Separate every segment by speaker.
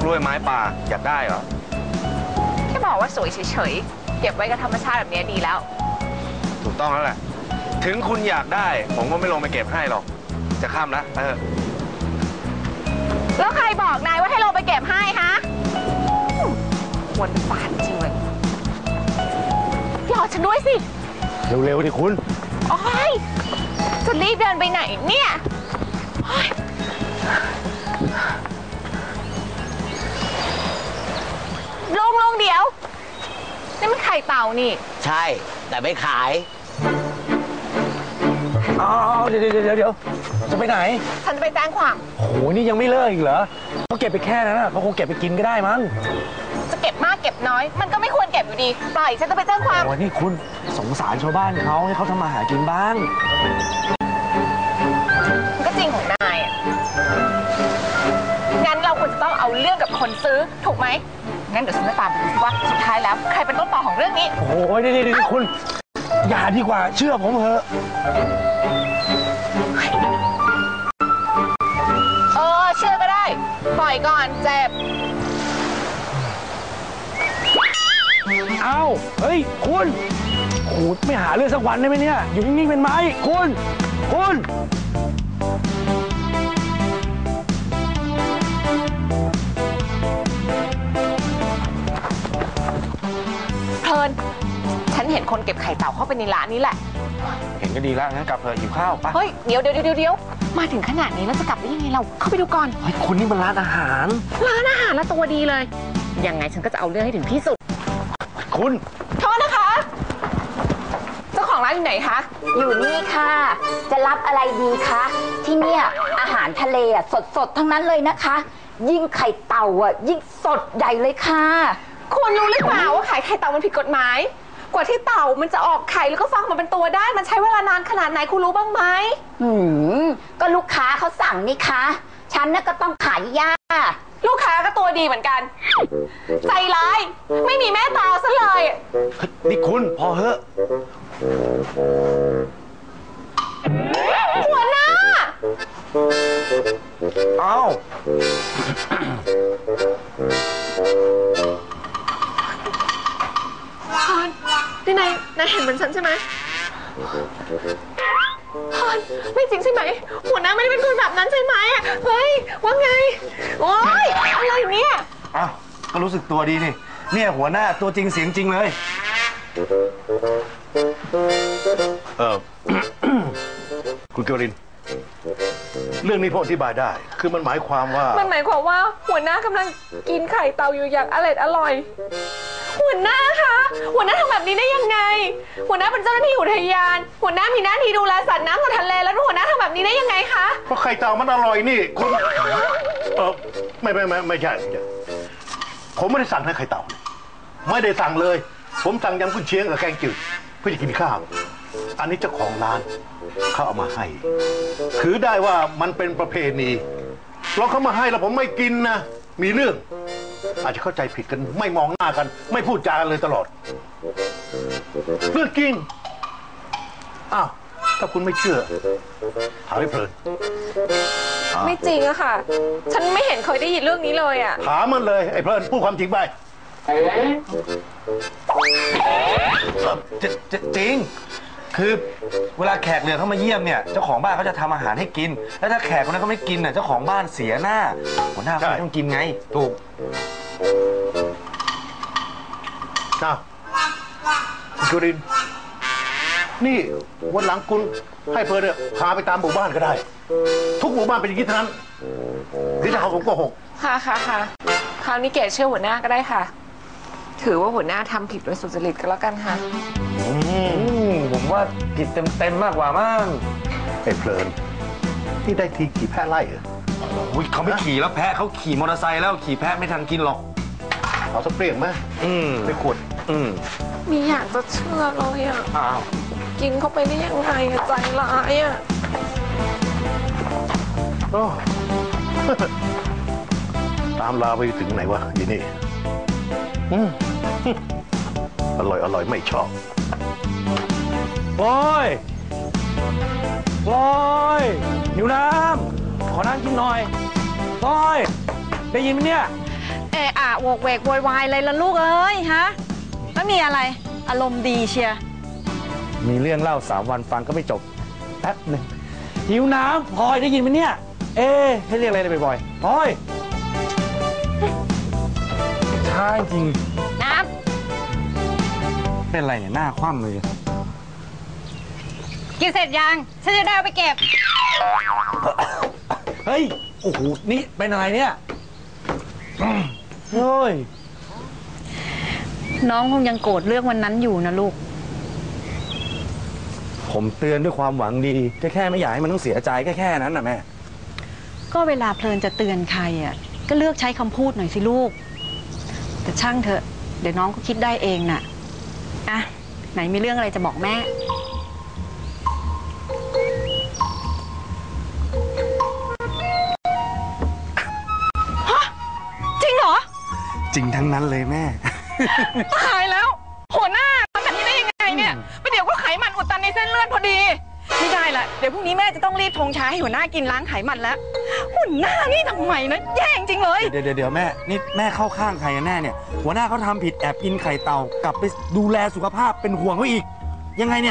Speaker 1: ล้วยไม้ป่าอยากได้เหรอ
Speaker 2: แค่บอกว่าสวยเฉยๆเก็บไว้กับธรรมชาติแบบนี้ดีแล้ว
Speaker 1: ถูกต้องแล้วแหละถึงคุณอยากได้ผมก็ไม่ลงไปเก็บให้หรอกจะข้ามแล้ว
Speaker 2: แล้วใครบอกนายว่าให้ลงไปเก็บให้ฮะวนปานจริงเลยรอฉันด้วยสิ
Speaker 1: เร็วๆดิคุณ
Speaker 2: โอ๊ยจะรีบเดินไปไหนเนี่ยลงเดี๋ยวนี่มันไข่เต่านี่
Speaker 3: ใช่แต่ไม่ขาย
Speaker 4: เดี๋ยวจะไปไหน
Speaker 2: ฉันจะไปแจ้งความ
Speaker 4: โอ้โหนี่ยังไม่เลิกอีกเหรอเขาเก็บไปแค่นั้นเขาคงเก็บไปกินก็ได้มั้ง
Speaker 2: จะเก็บมากเก็บน้อยมันก็ไม่ควรเก็บอยู่ดีปล่อยฉันจะไปแจ้งความ
Speaker 4: โอ้นี่คุณสงสารชาวบ้านเขาให้เขาทำมาหากินบ้าง
Speaker 2: มันก็จริงของนายงั้นเราควรจะต้องเอาเรื่องกับคนซื้อถูกไหมงั้นเดี๋ยวฉันจะตามไปดูว่าสุดท้ายแล้วใครเป็นต้นตอของเรื่องนี้
Speaker 4: โอ้ยนี่คุณอย่าดีกว่าเชื่อผมเถอะ
Speaker 2: เชื่อก็ได้ปล่อยก่อนเจ็บ
Speaker 4: เฮ้ยคุณไม่หาเรื่องสักวันได้ไหมเนี่ยอยู่นิ่งๆเป็นไหมคุณ
Speaker 2: เพลินฉันเห็นคนเก็บไข่เต่าเข้าไปในร้านนี้แหละ
Speaker 1: เห็นก็ดีแล้วงั้นกลับเถอะหิวข้าวปะ
Speaker 2: เฮ้ยเดี๋ยวมาถึงขนาดนี้แล้วจะกลับได้ยังไงเราเข้าไปดูก่อน
Speaker 4: เฮ้ยคุณนี่มันร้านอาหาร
Speaker 2: แล้วตัวดีเลยยังไงฉันก็จะเอาเรื่องให้ถึงที่สุด
Speaker 4: คุณ
Speaker 2: โทษนะคะเจ้าของร้านอยู่ไหนคะ
Speaker 5: อยู่นี่ค่ะจะรับอะไรดีคะที่เนี่ยอาหารทะเลสดทั้งนั้นเลยนะคะยิ่งไข่เต่ายิ่งสดใหญ่เลยค่ะ
Speaker 2: คุณรู้หรือเปล่าว่าขายไข่เต่ามันผิดกฎหมายกว่าที่เต่ามันจะออกไข่แล้วก็ฟักมาเป็นตัวได้มันใช้เวลานานขนาดไหนคุณรู้บ้างไหม
Speaker 5: ก็ลูกค้าเขาสั่งนี่คะฉันน่ะก็ต้องขายย่า
Speaker 2: ลูกค้าก็ตัวดีเหมือนกันใจร้ายไม่มีแม่ตาซะเลย
Speaker 4: นี่คุณพอเหอะ
Speaker 2: หัวหน้าพรนายเห็นเหมือนฉันใช่ไหมพรไม่จริงใช่ไหมหัวหน้าไม่ได้เป็นคนแบบนั้นใช่ไหมเฮ้ยว่าไงโอ๊ยอะไรเนี่ย
Speaker 4: ก็รู้สึกตัวดีนี่เนี่ยหัวหน้าตัวจริงเสียงจริงเลย
Speaker 6: คุณเกวรินเรื่องนี้พ่ออธิบายได้คือมันหมายความว่า
Speaker 2: หัวหน้ากำลังกินไข่เต่าอยู่อย่างอร่อยหัวหน้าคะหัวหน้าทำแบบนี้ได้ยังไงหัวหน้าเป็นเจ้าหน้าที่อุทยานหัวหน้ามีหน้าที่ดูแลสัตว์น้ำกับทะเลแล้วหัวหน้าทำแบบนี้ได้ยังไงคะ
Speaker 6: เพราะไข่เต่ามันอร่อยนี่คุณไม่ใช่ผมไม่ได้สั่งให้ไข่เต่าไม่ได้สั่งเลยผมสั่งยำกุนเชียงกับแกงจืดเพื่อจะกินข้าวอันนี้เจ้าของร้านเขาเอามาให้ถือได้ว่ามันเป็นประเพณีเราเขามาให้แล้วผมไม่กินนะมีเรื่องอาจจะเข้าใจผิดกันไม่มองหน้ากันไม่พูดจากันเลยตลอดเรื่องจริงถ้าคุณไม่เชื่อถามให้เพลิน
Speaker 2: ไม่จริงอะค่ะฉันไม่เห็นเคยได้ยินเรื่องนี้เลยอะ
Speaker 6: ถามมันเลยไอ้เพลินพูดความจริงไป
Speaker 4: จริงคือเวลาแขกเรือเขามาเยี่ยมเนี่ยเจ้าของบ้านเขาจะทำอาหารให้กินแล้วถ้าแขกคนนั้นเขาไม่กินเจ้าของบ้านเสียหน้าหัวหน้าเขาต้องกินไงถูก
Speaker 6: คุณจุรินนี่วันหลังคุณให้เพลินเนี่ยพาไปตามหมู่บ้านก็ได้ทุกหมู่บ้านเป็นอย่างนี้ทั้งนั้นที่จะเขาผมโกหก
Speaker 2: ค่ะคราวนี้เกศเชื่อหัวหน้าก็ได้ค่ะถือว่าหัวหน้าทำผิดโดยสุจริตก็แล้วกันค่ะ
Speaker 4: ผมว่าผิดเต็มมากกว่ามั้ง
Speaker 6: ไอ้เพลินที่ได้ทีขี่แพะไล่เหรอ
Speaker 4: เขาไม่ขี่แล้วแพะเขาขี่มอเตอร์ไซค์แล้วขี่แพะไม่ทันกินหรอก
Speaker 6: เอาสักเปรี้ยงไหมไปขวด
Speaker 2: มีอยากจะเชื่อเลยกินเข้าไปได้ยังไงใจร้าย
Speaker 6: ตามลาไปถึงไหนวะยีนี่อร่อยไม่ชอบ
Speaker 4: โอ้ยหิวน้ำขอน้ำกินหน่อยโอ้ยได้ยินไหมเนี่ย
Speaker 7: อะโวกเวกโวยวายอะไรล่ะลูกเอ้ยฮะแล้วมีอะไรอารมณ์ดีเชียร์
Speaker 4: มีเรื่องเล่า3 วันฟังก็ไม่จบแป๊บหนึ่งหิวน้ำพลอยได้ยินไหมเนี่ยให้เรียกอะไรบ่อยๆพลอยช้าจริง
Speaker 7: น้
Speaker 4: เป็นไรเนี่ยหน้าคว่ำเลย
Speaker 7: ำกินเสร็จยังฉันจะได้เอาไปเก็บ
Speaker 4: เฮ้ยโอ้โหนี่เป็นอะไรเนี่ยเฮ้ย
Speaker 7: น้องคงยังโกรธเรื่องวันนั้นอยู่นะลูก
Speaker 4: ผมเตือนด้วยความหวังดีแค่ไม่อยากให้มันต้องเสียใจแค่นั้นนะแม่
Speaker 7: ก็เวลาเพลินจะเตือนใครอ่ะก็เลือกใช้คำพูดหน่อยสิลูกแต่ช่างเถอะเดี๋ยวน้องก็คิดได้เองน่ะอ่ะไหนมีเรื่องอะไรจะบอกแม่ฮะจริงเหรอ
Speaker 4: จริงทั้งนั้นเลยแม่
Speaker 2: ตายแล้วหัวหน้าทำแบบนี้ได้ยังไงเนี่ยประเดี๋ยวก็ไขมันอุดตันในเส้นเลือดพอดีไม่ได้ละเดี๋ยวพรุ่งนี้แม่จะต้องรีบชงชาให้หัวหน้ากินล้างไขมันแล้วหัวหน้านี่ทำไมนะแย่จริงเลย
Speaker 4: เดี๋ยวแม่นี่แม่เข้าข้างใครกันแน่เนี่ยหัวหน้าเขาทำผิดแอบกินไข่เต่ากลับไปดูแลสุขภาพเป็นห่วงเขาอีกยังไงเนี่ย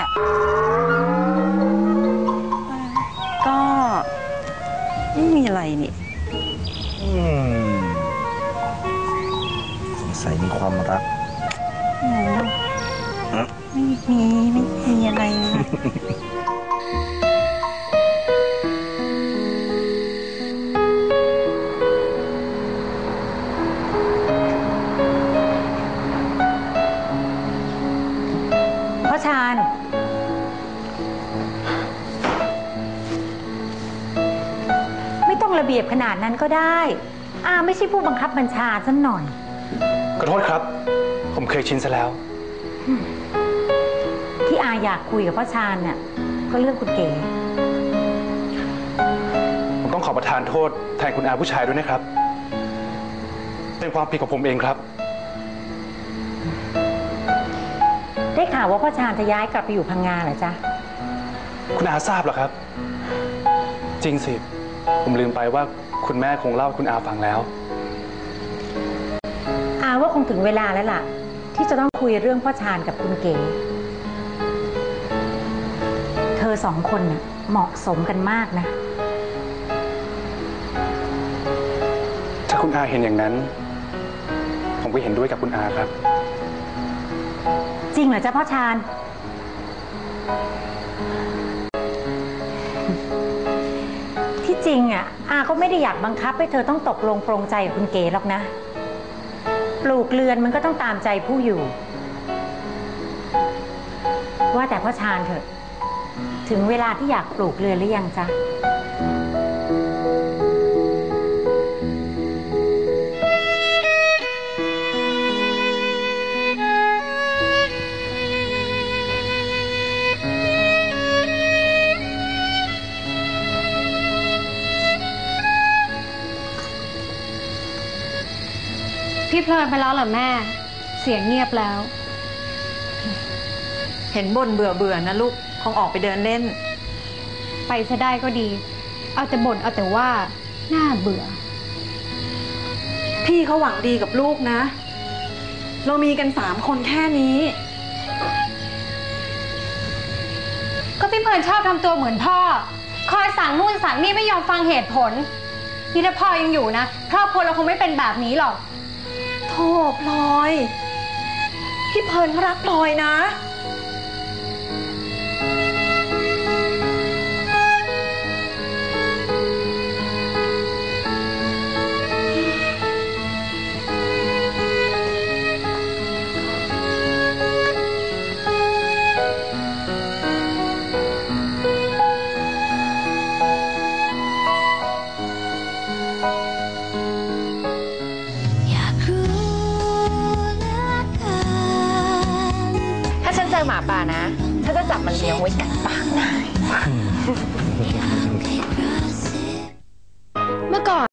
Speaker 7: ก็ไม่มีอะไรนี่
Speaker 4: สงสัยมีความรัก
Speaker 7: ไม่มีอะไรนะ
Speaker 5: พ่อชาญไม่ต้องระเบียบขนาดนั้นก็ได้ไม่ใช่ผู้บังคับบัญชาซะหน่อย
Speaker 8: ขอโทษครับ ผมเคยชินซะแล้ว
Speaker 5: ที่อยากคุยกับพ่อชาญเนี่ยก็เรื่องคุณเก๋
Speaker 8: ผมต้องขอประทานโทษแทนคุณอาผู้ชายด้วยนะครับ เป็นความผิดของผมเองครับ
Speaker 5: ได้ข่าวว่าพ่อชาญจะย้ายกลับไปอยู่พังงาเหรอจ๊ะ
Speaker 8: คุณอาทราบเหรอครับ จริงสิ ผมลืมไปว่าคุณแม่คงเล่าให้คุณอาฟังแล้ว
Speaker 5: ว่าคงถึงเวลาแล้วล่ะ ที่จะต้องคุยเรื่องพ่อชาญกับคุณเก๋เธอ2 คนน่ะเหมาะสมกันมากนะ
Speaker 8: ถ้าคุณอาเห็นอย่างนั้น ผมก็เห็นด้วยกับคุณอาครับ
Speaker 5: จริงเหรอจ๊ะพ่อชาญที่จริงก็ไม่ได้อยากบังคับให้เธอต้องตกลงปรงใจกับคุณเก๋หรอกนะปลูกเรือนมันก็ต้องตามใจผู้อยู่ว่าแต่พ่อชาญเถอะถึงเวลาที่อยากปลูกเรือนหรือยังจ๊ะ
Speaker 2: พี่เพลินไปแล้วเหรอแม่เสียงเงียบแล้ว
Speaker 7: เห็นบ่นเบื่อนะลูกคงออกไปเดินเล่น
Speaker 2: ไปซะได้ก็ดีเอาแต่บ่นเอาแต่ว่าน่าเบื่อ
Speaker 7: พี่เขาหวังดีกับลูกนะ เรามีกัน3 คนแค่นี้
Speaker 2: ก็พี่เพลินชอบทำตัวเหมือนพ่อคอยสั่งนู่นสั่งนี่ไม่ยอมฟังเหตุผลนี่ถ้าพ่อยังอยู่นะครอบครัวเราคงไม่เป็นแบบนี้หรอก
Speaker 7: โธ่พลอยพี่เพลินเขารักพลอยนะ
Speaker 2: เจอหมาป่านะถ้าจะจับมันเลี้ยงไว้กัดปากนายเมื่อก่อน